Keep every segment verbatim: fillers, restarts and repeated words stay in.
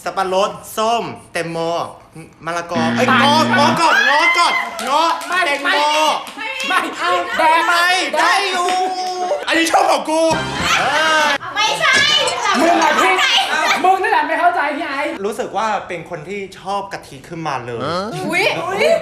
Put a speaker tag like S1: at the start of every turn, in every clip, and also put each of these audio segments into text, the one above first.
S1: สับปะรดส้มแตงโมมะละกอไอ้ยงองอก่อนงอก่อนงอแตงโม
S2: ไม่เอาแดง
S1: ไม่ได้อยู่อันนี้ชอบของกู
S3: ไม่ใช่
S2: มึงอะพี่มึงนั่นแหละไม่เข้าใจพี่ไอ้
S1: รู้สึกว่าเป็นคนที่ชอบกะทิขึ้นมาเลย
S3: อุ้ย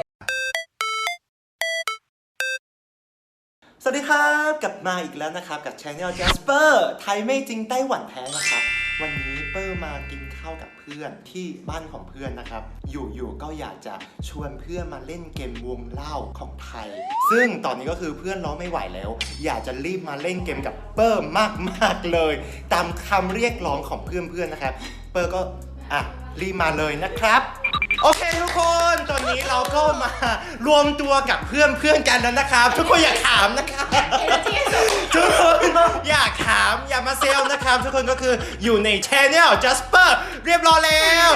S1: สวัสดีครับกลับมาอีกแล้วนะครับกับ Channel Jasper ไทยไม่จริงไต้หวันแท้นะครับวันนี้เปอร์มากินข้าวกับเพื่อนที่บ้านของเพื่อนนะครับอยู่ๆก็อยากจะชวนเพื่อนมาเล่นเกมวงเล่าของไทยซึ่งตอนนี้ก็คือเพื่อนร้องไม่ไหวแล้วอยากจะรีบมาเล่นเกมกับเปอร์มากๆเลยตามคำเรียกร้องของเพื่อนๆนะครับเปอร์ก็อ่ะรีบมาเลยนะครับโอเคทุกคนตอนนี้เราก็มารวมตัวกับเพื่อนเพื่อนกันแล้วนะครับทุกคนอย่าขามนะครับทุกคนอย่าขามอย่ามาเซลนะครับทุกคนก็คืออยู่ใน Channel Jasper เรียบร้อยแล้ว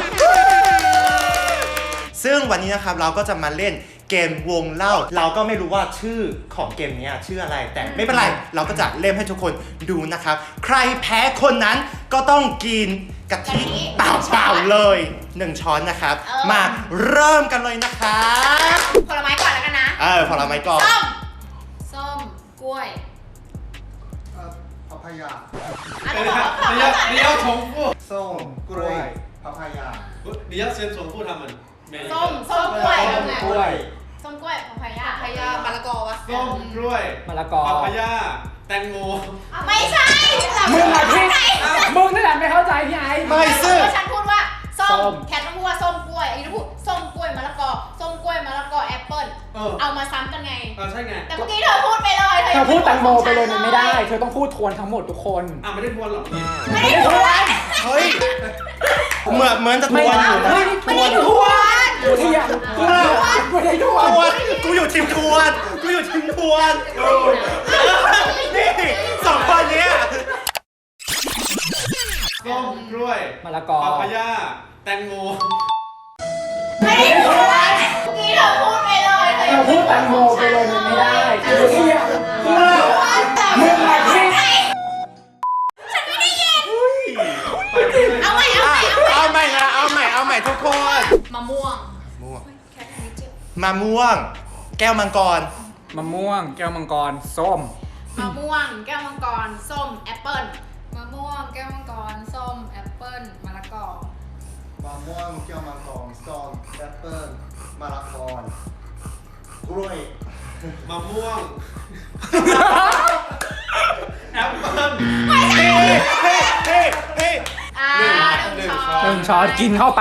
S1: ซึ่งวันนี้นะครับเราก็จะมาเล่นเกมวงเล่าเราก็ไม่รู้ว่าชื่อของเกมนี้ชื่ออะไรแต่ไม่เป็นไรเราก็จะเล่นให้ทุกคนดูนะครับใครแพ้คนนั้นก็ต้องกินกะทิเปล่าๆเลยหนึ่งช้อนนะครับมาเริ่มกันเลยนะครับ
S3: ผลไม้ก่อนแล้วกันนะ
S1: เออผลไม้ก่อน
S3: ส้มส้มกล้วย
S4: เอ่อพาพายา
S3: 你
S5: 要你要重复
S4: ส้มกล้วยพาพายา
S5: 你要先重复他们每一个
S3: ส้มส้มกล้วย
S4: กล้วย
S3: ส้มกล้วยพาพายาพายามะละกอวะ
S5: ส้มกล้วย
S2: มะละกอ
S5: พาพายาแตงโม
S3: ไม่ใช่
S2: มึงอะพี่มึงนั่นแหละไม่เข้าใจพี่ไอ้
S1: ไม่ซึ่ง
S3: ฉันพูดว่าส้มแคทต้องพูดว่าส้มกล้วยไอ้ต้องพูดส้มกล้วยมะละกอส้มกล้วยมะละกอแอปเปิ้ลเอามาซ้ำกันไง
S5: เออใช่ไง
S3: แต่เมื่อกี้เธอพูดไปเลย
S2: เธอพูดแตงโมไปเลยมันไม่ได้เธอต้องพูดทวนทั้งหมดทุกคน
S5: อ่ะไม่ได้ทวนหรอกนี่
S3: ไม่ได้ทวน
S1: เฮ้ยเหมือนเหมือนจะทวนอยู่นะ
S3: ไม่ได้ทวน
S2: กูที่อยากกูได้ทวน
S1: กูอยู่ทีมทวนกูอยู่ทีมทวนนี่สองคนเนี้ย
S5: ส้มกล้วย
S2: มะละกอ
S5: พาพายาแตงโม
S3: ไม่ได้ทวนเมื่อกี้เธอพูดไปเลย
S2: เธอพูดแตงโมไปเลยมันไม่ได้กูที่อยากมึงอะพี่
S3: ฉันไม่ได้ยินเอาใหม่เอาใหม่เอาใหม่
S1: เอาใหม่นะเอาใหม่เอาใหม่ทุกคน
S3: มะม่วง
S1: ม่วงมะม่วงแก้วมังกร
S2: มะม่วงแก้วมังกรส้ม
S3: มะม่วงแก้วมังกรส้มแอปเปิ้ล
S6: มะม่วงแก้วมังกรส้มแอปเปิ้ลมะละกอ
S4: มะม่วงแก้วมังกรส้มแอปเปิ้ลมะละกอกล้วย
S5: มะม่วงแอปเปิ้ล
S1: เฮ้เฮ้เฮ้เฮ้
S3: อ่าหนึ่งช้อน
S2: หนึ่งช้อนกินเข้าไป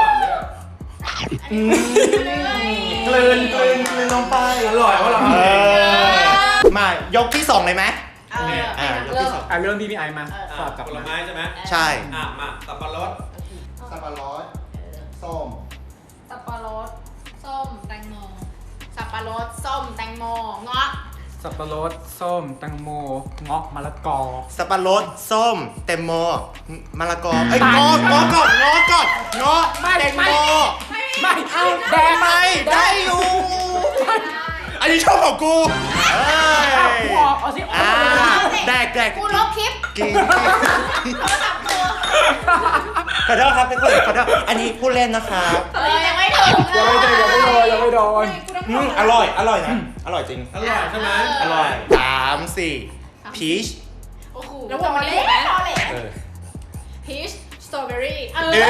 S1: กลืนกลืนกลืนลงไป
S5: อร่อยว่าเรา
S1: มายกที่สองเลยไหม
S3: อ่ายกที่สอง
S2: อ่ะเรื่องพี่พี่ไอมา
S5: ตอบกับผลไม้ใช่ไหม
S1: ใช่
S5: อ่ะมาสับปะรด
S4: สับปะรดส้ม
S6: สับปะรดส้มแตงโม
S3: สับปะรดส้มแตงโมเงาะ
S2: สับปะรดส้มแตงโมเงาะมะละกอ
S1: สับปะรดส้มแตงโมมะละกอไอ้งองอก่อนงอก่อนงอแตงโม
S2: ไม่เอาแดง
S1: ไม่ได้อยู่อันนี้ชอบของกู
S2: กูออกเอาสิ
S1: อ่าแดกแดก
S3: กูลบคลิป
S1: กินขอโทษครับทุกคนขอโทษอันนี้พูดเล่นนะครับ
S3: เออยังไม่ถึง
S2: ยังไม่โดนยังไม่โดนยังไม่โดน
S1: อร่อยอร่อยนะอร่อยจริง
S5: อร่อยใช่ไหม
S1: อร่อยสามสี่พีช
S3: โอ้โหแล้วพอเล่นพอเล่นพีชสตรอเบอรี่เออ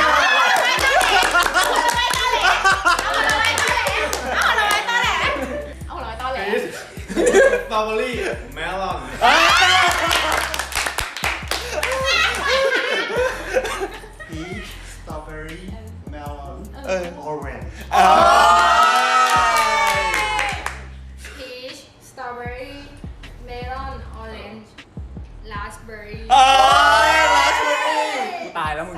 S5: สตรอเบอรี่เมลอน
S4: พีชสตรอเบอรี่เมลอน
S1: เออ
S4: ออเรนจ์
S6: พีชสตรอเบอรี่เมลอนออเรนจ์ราสเบอร์รี่
S1: เอ้ยราสเบอร์รี่
S2: ตายแล้วมึง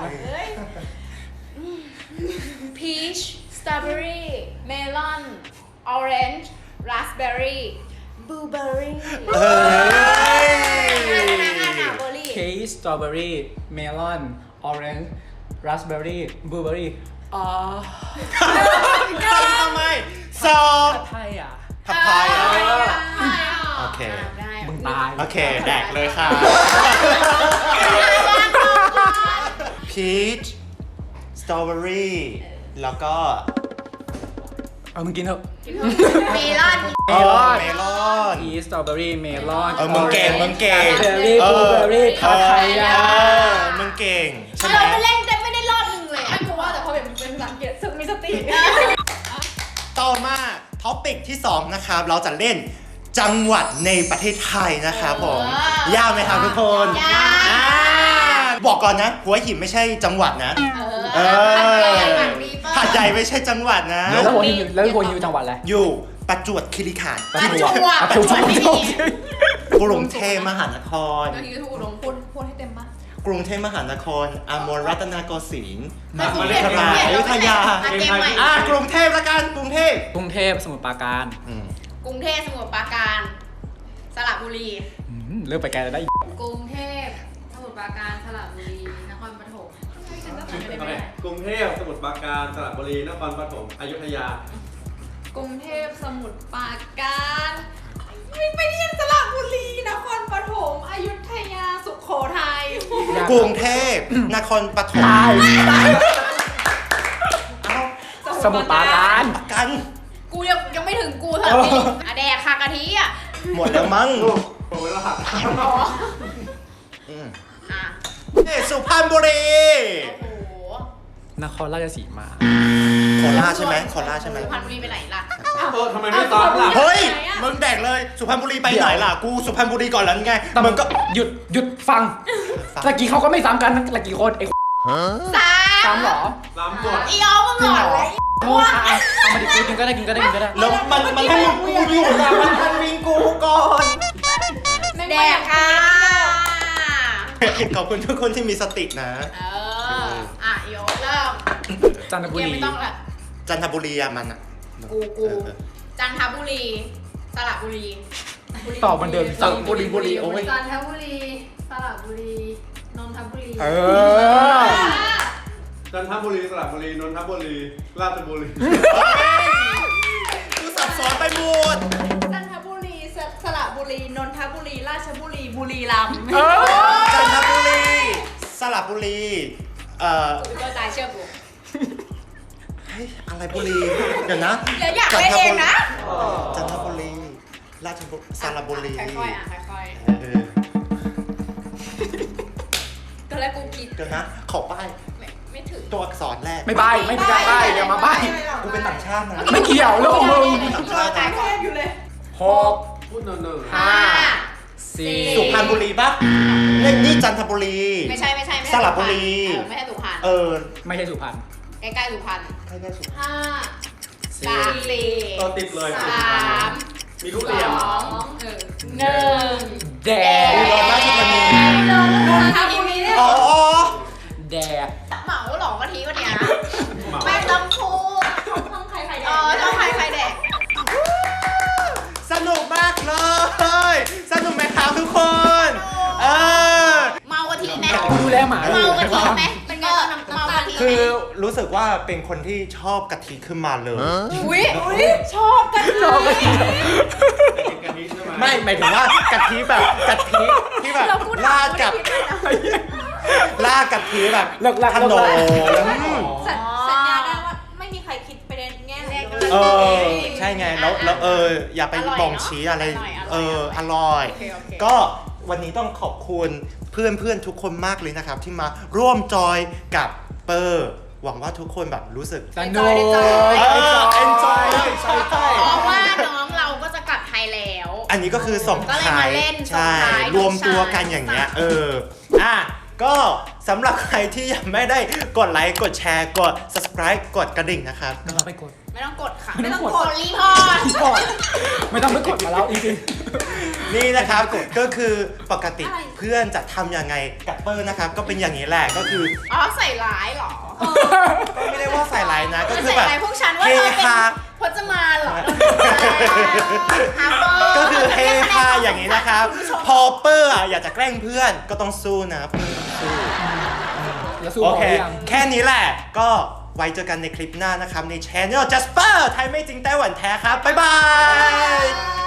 S3: พีชสตรอเบอรี่เมลอนออเรนจ์ราสเบอร์รี่บลูเบอร์รี่เฮ้
S1: ย
S2: เคสสตรอเบอรี่เมลอนออเรนจ์ราสเบอร์รี่บลูเบอร์รี่อ๋อ
S1: ทำไมสอง
S2: ผัดไทยอ่ะ
S1: ผัดไทยอ่ะโอเค
S2: มึงตาย
S1: โอเคแดกเลยค่ะพีช strawberry แล้วก็
S2: เอามึงกินเถอะ
S3: เมลอน
S1: เออเมลอน
S2: พีชสตรอเบอรี่เมลอน
S1: เออมึงเก่งมึงเก่ง
S2: เบอร์รี่บลูเบอร์รี่
S1: เอ
S2: พา
S1: อ
S2: ไทยา
S1: เออมึงเก่งใช่ไหม
S3: เราไปเล่นแต่ไม่ได้รอบหนึ่งเลย
S6: ไม่กลัวแต่พอเป็นเป็นภาษาอังกฤษสึกมีสติ
S1: ต่อมาท็อปิกที่สองนะครับ เราจะเล่นจังหวัดในประเทศไทยนะครับผม ยากไหมครับทุกคน
S3: ยาก
S1: อ่าบอกก่อนนะหัวหินไม่ใช่จังหวัดนะ
S3: เอ
S1: เอ
S3: อ
S1: อ
S3: หัดดีเปิ้ล
S1: หาดใหญ่ไม่ใช่จังหวัดนะ
S2: แล้วโฮนิวแล้วโฮนิวจังหวัดอะไร
S1: อยู่ประจวบคีรีขันธ์
S3: ประจวบ
S2: ประจวบ
S3: ไม่มี
S1: กรุงเทพมหานคร
S6: เดี๋ยวทีถูกลงพูดพูดให้เต็มปะ
S1: กรุงเทพมหานครอมรรัตนโกสินทร์
S3: ไม่
S1: ม
S3: กรุ
S1: หาง
S3: เทพ
S1: วิทยาลัยอยุธยา
S3: อ่ะเกมใหม่
S1: อ่ากรุงเทพละกันกรุงเทพ
S2: กรุงเทพสมุทรปราการ
S1: อืม
S3: กรุงเทพสมุทรปราการสระบุรี
S2: อืมเริ่มไปไกลแล้วได้อีก
S6: กรุงเทพสมุทรปราการสระบุรีนครปฐมฉันก็จำไม่ได้ไม่ได้
S5: กรุงเทพสมุทรปราการสระบุรีนครปฐมอยุธยา
S6: กรุงเทพสมุทรปราการไม่ไปที่ยังสระบุรีนครปฐมอยุธยาสุโขทัย
S1: กรุงเทพนครปฐมเอ้า
S2: สมุทรปราการ
S1: ประกัน
S3: กูยังยังไม่ถึงกูเท่านี้อะแดกค่ะกะทิอ่ะ
S1: หมดแล้วมั้ง
S5: หมดเวลา
S3: อ๋อ
S1: อืม
S3: อ่ะ
S1: เอ้ยสุพรรณบุรี
S3: โอ้โห
S2: นครราชสีมา
S1: โคราชใช่ไหมโคราชใช่ไหม
S3: สุพรรณบุรีไปไหนล่ะ
S5: เออทำไมไม่ซ้อมล่ะ
S1: เฮ้ยมึงแดกเลยสุพรรณบุรีไปไหนล่ะกูสุพรรณบุรีก่อนแล้วไง
S2: แต่
S1: มึ
S2: มึ
S1: ง
S2: ง
S1: ก็
S2: ก็หยุดหยุดฟัง
S1: ฟัง
S2: ตะกี้เขาก็ไม่ซ้ำกันตะกี้คนไอ้
S3: สาม
S2: ซ้ำเหรอ
S5: ล้ำหมด
S3: อีออมึงหลอนเลย
S2: โง่อ่ะเอามาดิกูกินก็ได้กินก็ได้กินก็ได้
S1: แล้วมันมันให้มึงกูอยู่นะมันทันวิงกูก่อน
S3: แดกค่ะ
S1: ขอบคุณทุกคนที่มีสตินะ
S3: เออ อ่ะโยเริ่ม
S2: จันทบุ
S3: ยัง
S2: รี
S3: ไม่ต้องละ
S1: จันทบุรีอะมันอะ
S3: กูกู
S1: เออเออ
S3: จันทบุรีสระบุรี
S2: ตอบเหมันเดิมสระบุรีบุรีโอ้ย
S6: จันทบุรีสระบุรีนนทบุรี
S2: เออ
S5: จันทบุรีสระบุรีนนทบุรีราชบุรี
S1: กูสับสนไปหมด
S3: จันทบุรีสสระบุรีนนทบุรีราชบุรีบุรีรัมย์
S2: เออ
S1: จันทบุรีสระบุรีเอ่อ
S3: กูก็ตายเชื่อกู
S1: เฮ้ยอะไรบุรีเดี๋ยวนะ
S3: อย่าอยากเล่นเองนะ
S1: จันทบุรีราชบุรีสระบุรี
S3: ค่อยๆอ่ะค่อย
S1: เออ
S3: ๆตอนแรกกูคิด
S1: เดี๋ยวนะขอป้าย
S3: ไม่ไม่ถึง
S1: ตัวอักษรแรก
S2: ไม่ใบไม่มีการใบเดี๋ยวมาใบ
S1: กูเป็นต่างชาตินะ
S2: ไม่เกี่ยวเรื่องของมึง
S1: ต่างชาตินะ
S3: อยู่เลย
S2: หก
S5: พูดเนินๆ
S2: ห้าสี่
S1: สุพรรณบุรีปะนี่นี่จันทบุรี
S3: ไม่ใช่ไม่ใช่ไม่ใช่
S1: สระบุรี
S3: เออไม่ใช่สุพรรณ
S1: เออ
S2: ไม่ใช่สุพรรณ
S3: ใกล้ๆสุพรรณ
S1: ใกล้ๆสุพรรณ
S6: ห้า
S2: สี่
S3: สามสี่
S5: เออติดเลย
S3: สาม
S5: มีทุ
S3: ส
S5: เรียน
S3: อง
S6: เออ
S3: หนึ่ง
S2: แด
S1: อุดรราชธานี
S3: นนทบุรี
S1: อ๋ออ๋อ
S2: แดก
S3: เหมาหลอกกะทิวันเนี้ย
S5: เหมา
S3: ไม่ต้องพูด
S6: ห้องใครใครแด
S3: เออต้องใครใครแดก
S1: สนุกมากเลย สนุกไหมครับทุกคน เออ
S3: เมากะทิไหม
S2: กูดูแลหมา
S3: เมากะทิไหมเป็นไงบ้างเมากะทิไหม
S1: คือรู้สึกว่าเป็นคนที่ชอบกะทิขึ้นมาเลย
S3: อุ้ยอุ้ยชอบกะทิ
S2: ชอบกะทิ
S5: แต่กินกะทิใช่ไหม
S1: ไม่หมายถึงว่ากะทิแบบกะทิที่แบบราดกับราดกะทิแบบ
S2: เลิกลัก
S1: ขน
S2: เลิก
S1: ม
S2: ลัก
S1: อืม
S6: สัญสัญญาได้ว่าไม่มีใครคิดไปในแง่ไหนเลย
S1: เออ ใช่ไง แล้วแล้วเออ อย่าไปบองชี้อะไร เออ อร่อย
S3: โอเคโอเค
S1: ก็วันนี้ต้องขอบคุณเพื่อนเพื่อนๆทุกคนมากเลยนะครับ ที่มาร่วมจอยกับเปอร์หวังว่าทุกคนแบบรู้สึก
S2: สนุก
S1: เออ enjoy ใช่ใช่
S3: เพราะว่าน้องเราก็จะกลับไทยแล้ว
S1: อันนี้ก็คือส่ง
S3: ก็เลย
S1: ท้าม
S3: าย เล่น
S1: ใช่
S3: ส่งท้าย
S1: รวมตัวกันอย่างเงี้ย เออ อ่ะ ก็สำหรับใครที่ยังไม่ได้กดไลค์ กดแชร์ กด subscribe กดกระดิ่งนะครับ
S2: ไม่ต้องไปกด
S3: ไม่ต้องกดค่ะ
S2: ไม่ต้องกด
S3: กดรีพอร์ต
S2: กดไม่ต้องไปกดมาแล้วจริง
S1: นี่นะครับ ก็คือปกติเพื่อนจะทำยังไงกับเปอร์นะครับ ก็เป็นอย่างนี้แหละ ก็คือ
S3: อ๋อใส่ร้ายเหรอ
S1: ก็ไม่ได้ว่าใส่ไลน์นะ ก็คือ
S3: ใส่
S1: แบบ
S3: ร้ายพวกฉันว่า
S1: เฮ
S3: เราเป็น
S1: ฮา
S3: พจมานเหรอ
S1: ก็คือเฮฮาอย่างนี้นะครับ พอเปอร์อ่ะอยากจะแกล้งเพื่อนก็ต้องสู้นะเพื่อนต้องสู้
S2: ๆแล้วสู้
S1: โอ
S2: พอ
S1: เค
S2: หรือยัง
S1: แค่นี้แหละ ก็ไว้เจอกันในคลิปหน้านะครับ ใน Channel Jasper ไทยไม่จริงไต้หวันแท้ครับ บ๊ายบาย